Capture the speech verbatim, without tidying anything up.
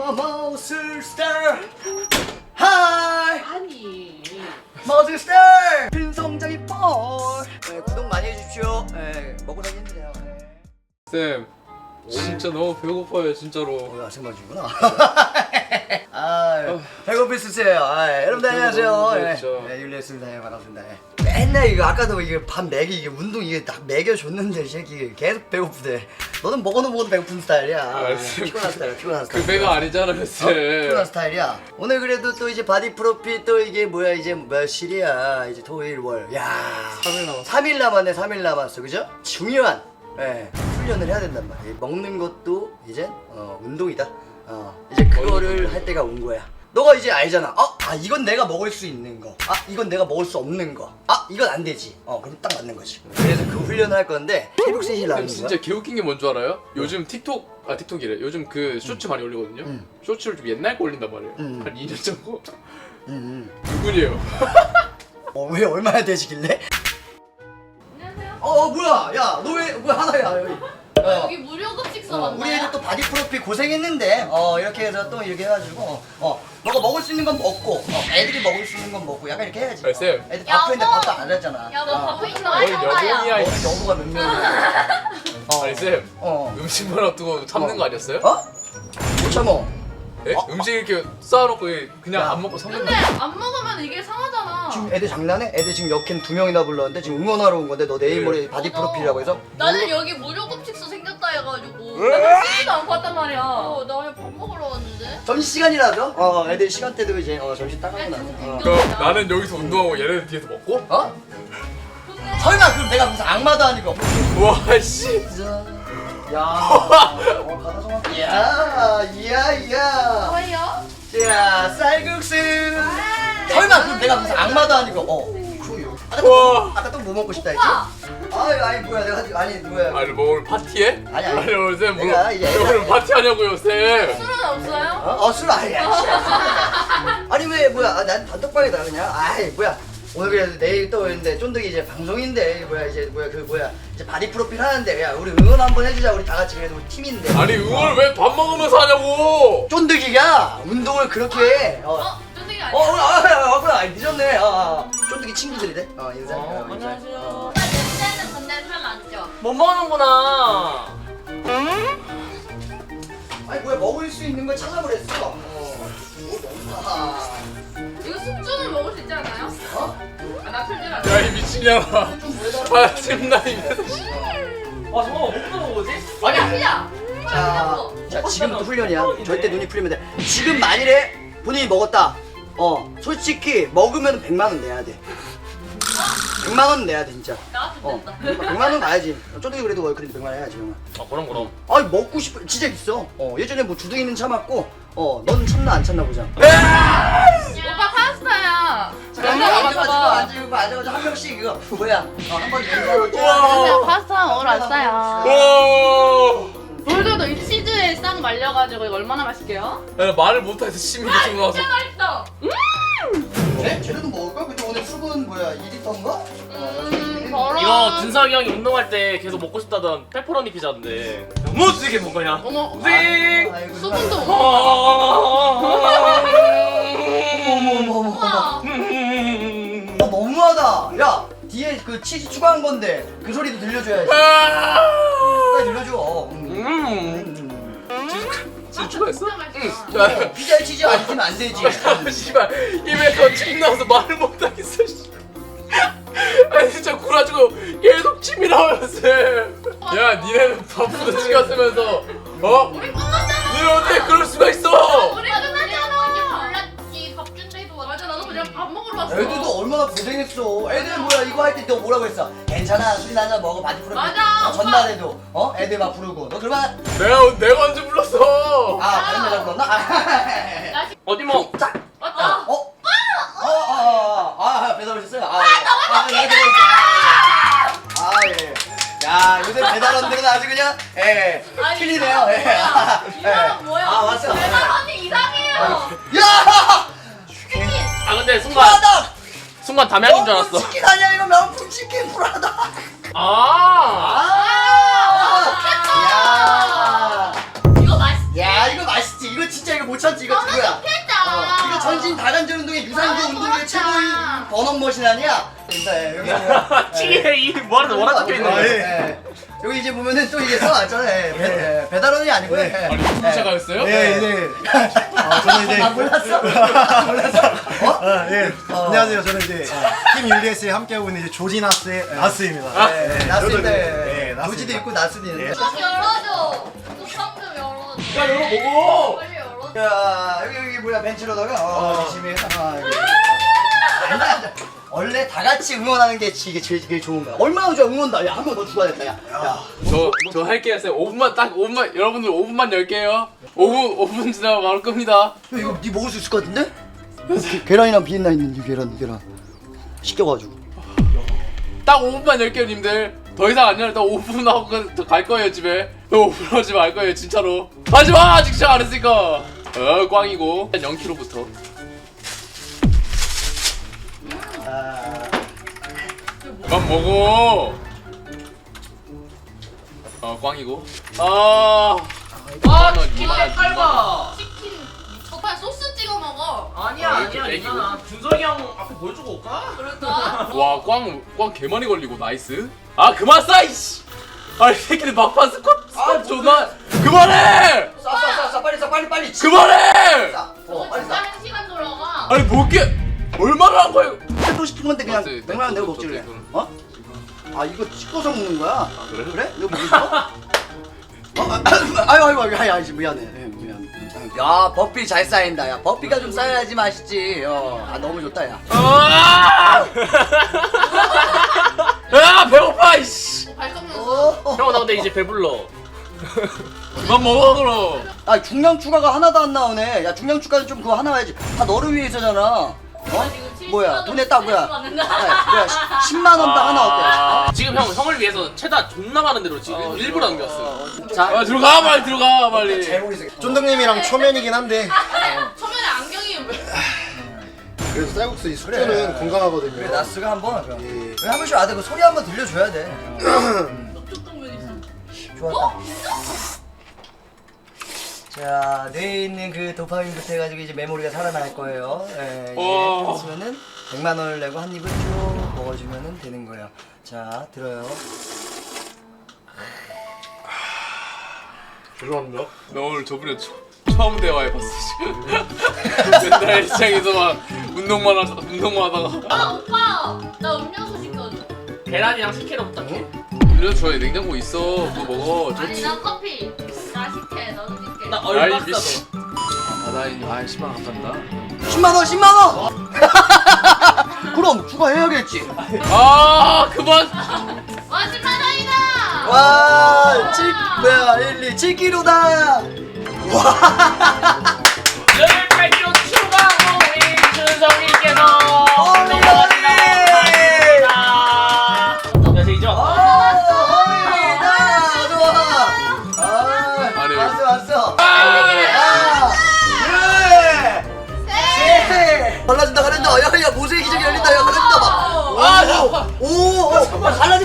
머슬 스타 하이 아니 머슬 스타 빈성장이 볼 네, 구독 많이 해주십시오. 네, 먹고 살기 힘드네요. 쌤 진짜 너무 배고파요 진짜로. 어, 아침마주구나. 아, 배고프시세요. 아, 여러분들 안녕하세요. 네, 네, 율리였습니다. 네, 반갑습니다. 네. 맨날 이거 아까도 이게 밥 먹이 이게 운동 이게 딱 먹여줬는데 이 새끼 계속 배고프대. 너는 먹어도 먹어도 배고픈 스타일이야. 아, 피곤한 스타일이야. 피곤한 스타일. 그 배가 아니잖아요 쌤. 어? 피곤한 스타일이야. 오늘 그래도 또 이제 바디 프로필 또 이게 뭐야 이제 며칠이야 이제 토일 월. 야. 삼 일 남았어. 삼 일 남았네. 삼 일 남았어. 그죠? 중요한 예, 훈련을 해야 된단 말이야. 먹는 것도 이제 어, 운동이다. 어, 이제 그거를 할 때가 온 거야. 너가 이제 알잖아. 어, 아 이건 내가 먹을 수 있는 거. 아 이건 내가 먹을 수 없는 거. 아 이건 안 되지. 어, 그럼 딱 맞는 거지. 그래서 그 훈련을 할 건데 새벽 세 시에 나가는 쌤 거야. 진짜 개웃긴 게 뭔 줄 알아요? 요즘 틱톡 아 틱톡이래. 요즘 그 쇼츠 많이 올리거든요. 음. 쇼츠를 좀 옛날 거 올린단 말이에요. 음. 한 이 년 전거. 음, 음. 누군이에요? 어, 왜 얼마나 되시길래? 안녕하세요. 어, 어 뭐야? 야, 너 왜 왜 하나야 여기? 어. 여기 무료 급식 어, 써봤나요? 우리 애들 또 바디 프로필 고생했는데 어 이렇게 해서 또 이렇게 해가지고 어 너가 먹을 수 있는 건 먹고 어, 애들이 먹을 수 있는 건 먹고 약간 이렇게 해야지. 아, 쌤. 어, 애들 바쁘는데 여보! 밥도 안 하잖아. 여보 어. 바쁘 있는 어이, 여보이야, 거야. 이 너는 여보가 몇 명이야? 어. 아니 쌤 어. 음식만 놔두고 참는 어. 거 아니었어요? 어? 못 참어. 예? 어? 음식 이렇게 쌓아놓고 그냥 야. 안 먹고 참는 근데 거. 안 먹으면 이게 상하잖아. 지금 애들 장난해? 애들 지금 역캠 두 명이나 불렀는데 지금 응원하러 온 건데 너 내일 네. 모레 바디 맞아. 프로필이라고 해서 나는 여기 무료 급식소 생겼다 해가지고 왜? 나는 쓰지도 않고 왔단 말이야. 어, 나 그냥 밥 먹으러 왔는데. 점심시간이라도 어 애들 시간대도 이제 어 점심 따가고 나서 어. 그럼 나는 여기서 운동하고 얘네들 뒤에서 먹고? 어? 근데 설마 그럼 내가 무슨 악마도 아니고 와 씨. 야, 어, 가다 정확. 야, 이야, 이야. 뭐예요? 자, 쌀국수. 설마 그럼 내가 무슨 악마도 아니고. 어. 그래요. 아까 와. 또, 아까 또 뭐 먹고 싶다 했지? 오빠! 아니, 아니 뭐야, 내가 지금 아니 뭐야. 아니 뭐 오늘 파티해? 아니, 아니. 아니 오늘 쌤 뭐, 내가 이제 오늘 애들- 파티 하냐고요 쌤. 술은 없어요? 어, 어, 술 아니야. 씨. 아니 왜 뭐야? 아, 난 단톡방이다 그냥. 아이 뭐야. 오늘 그래도 내일 또 있는데 쫀득이 이제 방송인데 뭐야 이제 뭐야 그 뭐야 이제 바디 프로필 하는데 야 우리 응원 한번 해주자 우리 다 같이 그래도 우리 팀인데. 아니 응원을 왜 밥 먹으면서 하냐고. 쫀득이가 운동을 그렇게 해. 어. 어? 쫀득이 어, 아니야? 어, 아, 아, 아, 아, 늦었네. 아, 아. 쫀득이 친구들이래. 어, 인사. 어, 인사. 안녕하세요. 어. 나 냄새는 근데 살 많죠? 못 먹는구나. 아니 뭐야 먹을 수 있는 걸 찾아보랬어. 어. 아, 이거 숙주는 먹을 수 있지 않아요? 어? 아, 나 틀리라. 야 이 미친년아. 아 쌤나 입에서. 아 잠깐만 못 먹는 거지? 아니 피자! 자, 자 지금부터 훈련이야. 절대 눈이 풀리면 돼. 지금 만일에 본인이 먹었다. 어, 솔직히 먹으면 백만 원 내야 돼. 백만 원 내야 돼 진짜. 나왔으면 어, 된다. 백만 원 가야지. 쫀득이 그래도 월클인데 백만 원 해야지 형아. 아 그럼 그럼. 아니 먹고 싶어 진짜 있어. 어 예전에 뭐 주둥이는 참았고 어 넌 참나 안 참나 보자. 오빠 파스타야. 앉아가지고 앉아가지고 앉아가지고 한 명씩 이거 뭐야? 어 한번 인사로 우와. 파스타 오늘 왔어요. 와. 돌도도 이 치즈에 싹 말려가지고 이거 얼마나 맛있게요? 야, 말을 못해서 침이 계속 나와서. 진짜 맛있어. 네? 쟤네도 먹을까? 근데 오늘 수분 뭐야 이 리터인가? 음, 더러. 이거 준석이 형이 운동할 때 계속 먹고 싶다던 페퍼로니 피자인데 너무 되게 뭔가냐? 어머, 띵! 아이고, 수분도 누나. 못 어머 어머 어머 어머 우와. 어, 너무하다. 야 뒤에 그 치즈 추가한 건데 그 소리도 들려줘야지. 빨리 들려줘. 음. 음. 음. 진짜 추가했어? 진짜 맛있어. 어, 피자에 치즈 안 있으면 안 되지. 씨발 입에서 침 나와서 말을 못하겠어. 씨. 아니 진짜 굴아주고 계속 침이 나와요 쌤. 야 니네는 밥부터 시간 쓰면서 어? 우리 끝났잖아. 니네 어떻게 그럴 수가 있어? 우리 끝났잖아. 몰랐지. 밥 준다해도 맞아. 나도 그냥 밥 먹으러 왔어. 애들도 얼마나 고생했어. 애들 뭐야 이거 할 때 너 뭐라고 했어? 괜찮아 술이나 한잔 먹어 바디 프로필. 맞아, 어, 전날에도 어 애들 막 부르고 너 그러면 내가 내가 언제 불렀어? 아 다른 여자 불렀나? 아, 나 어디 먹? 자, 맞다. 어? 어? 어? 어? 아 배달 오셨어요? 아, 아, 예. 아, 예. 야, 요새 배달원들은 아주 그냥, 예, 아니, 틀리네요. 예. 아, 이 사람 뭐야? 아, 왔어. 대박 언니 이상해요. 야! 치킨. 아 근데 순간 프라다! 순간 담양인 줄 명품 알았어. 치킨 아니야, 이거 명품 치킨 프라다! 아. 아! 야! 이거 맛있지. 야, 이거 맛있지. 이거 진짜 이거 못 참지 이거 그거야. 어, 좋겠다. 이거 전신 다관절 운동의 유산소 아, 운동의 좋았다. 최고의 버넌머신 아니야? 인사해 여기 보면. 찌개 이 뭐라 뭐라 적혀 있는 아, 거야? 예, 예. 여기 이제 보면은 또 이게 써놨잖아. 예, 배, 예, 배달원이 아니고요. 예. 아니 무슨 시작하였어요? 네, 네. 아, 저는 이제 아 몰랐어? 몰랐어? 어? 아, 예. 어. 안녕하세요. 저는 이제 팀 율리에스에 함께하고 있는 이제 조지나스의 나스입니다. 네, 네, 나스인데 네, 나스입니다. 조지도 있고 나스도 있는데. 뚜껑 열어줘. 뚜껑 좀 열어줘. 야 열어보고. 빨리 열어줘. 야 여기 여기 뭐야 벤치로다가 어, 열심히 해서 아, 여기. 앉아, 앉아. 원래 다 같이 응원하는 게 이게 제일, 제일 좋은 거야. 얼마나 좋아 응원다. 야 한 번 더 죽어야겠다. 야. 야. 저저 할게요 쌤. 오 분만 딱 오 분만 여러분들 오 분만 열게요. 오 분 오 분 지나면 바로 끕니다. 야, 이거 네 먹을 수 있을 것 같은데? 계란이랑 비엔나 있는 이 계란 계란 시켜가지고. 딱 오 분만 열게요 님들. 더 이상 안 열다 오 분 하고 갈 거예요 집에. 오 분 하지 말 거예요 진짜로. 하지 마 아직 시작 안 했으니까. 어 꽝이고 영 킬로그램부터. 아, 그만 먹어. 어 꽝이고. 아. 아 이만 원, 치킨 이만 원, 깔봐. 치킨. 저판 소스 찍어 먹어. 아니야 아, 아니야 이렇게 괜찮아. 준석이 형 앞에 보여주고 올까? 그럴까? 와, 꽝, 꽝 개많이 걸리고, 나이스. 아, 그만 싸, 이씨! 아니, 새끼들 막판 스쿼트, 스쿼트 존나. 그만해! 싸싸싸 빨리 싸 빨리 빨리. 그만해! 싸. 어 저거 빨리 진짜 싸. 한 시간 돌아가. 아니, 뭘게 얼마나 한 거예요? 해도 싶은 건데 그냥 맞지, 백만 원 내고 먹지 그래. 땡땡. 어? 아 이거 찍어서 먹는 거야? 아 그래? 그래? 이거 먹는 거? 어? 아, 아유 아유 아유 아유 아유 미안해. 예, 미안. 야 버피 잘 쌓인다. 야 버피가 좀 쌓여야지 맛있지. 어. 아 너무 좋다 야. 아! 야, 배고파, 이씨! 어, 발성면 어. 형 나 근데 이제 배불러. 그만 먹어, 그럼. 아 중량 추가가 하나도 안 나오네. 야 중량 추가는 좀 그거 하나 와야지. 다 너를 위해서잖아. 어? 뭐야 돈에 딱 뭐야? 아, 뭐야 십만 원 딱 하나 어때? 아, 지금 형 형을 위해서 최다 존나 많은 대로 지금 일부러 남겼어. 자 아, 들어가, 빨리 들어가, 빨리. 모르겠어. 쫀득님이랑 초면이긴 한데 처음에 안경이 왜? 그래도 쌀국수 이 숙주는 건강하거든요. 그래 나스가 한번 예. 왜 한 번씩 와대 그 소리 한번 들려줘야 돼. 뚝뚝면 있어. 좋았다. 자 뇌에 있는 그 도파민부터 해가지고 이제 메모리가 살아날 거예요. 예, 이제 와. 했으면은 백만 원을 내고 한 입을 쭉 먹어주면은 되는 거예요. 자 들어요. 죄송합니다. 나 오늘 저번에 처, 처음 대화해봤어, 지금. 맨날 일상에서 막 운동만 하다, 운동만 하다가. 아 오빠, 나 음료수 시켜줘. 계란이랑 식혜로 부탁해. 이래서 저희 냉장고 있어. 그거 먹어. 저 아니 나 커피. 나 식혜, 너도 식혜. 나 아이, 얼박사 미씨. 더. 아, 나 이- 아, 십만 원 감사합니다. 십만 원 십만 원. 그럼 추가해야겠지. 아, 그만. 와 십만 원이다. 와, 칠 뭐야 일, 이, 칠 킬로그램다. 늘 팔 킬로그램 추가하고 우리 준석이께서 어머니! 넘어가시라고 합니다. 야 제이죠? 아, 허리다 좋아. 아, 아니, 왔어 왔어. 아, 아, 그래. 셋. 갈라진다 갈라진다. 야야 모세의 기적이 열린다. 야 갈라진다 봐. 아, 잠깐만. 오, 오, 어, 갈라진다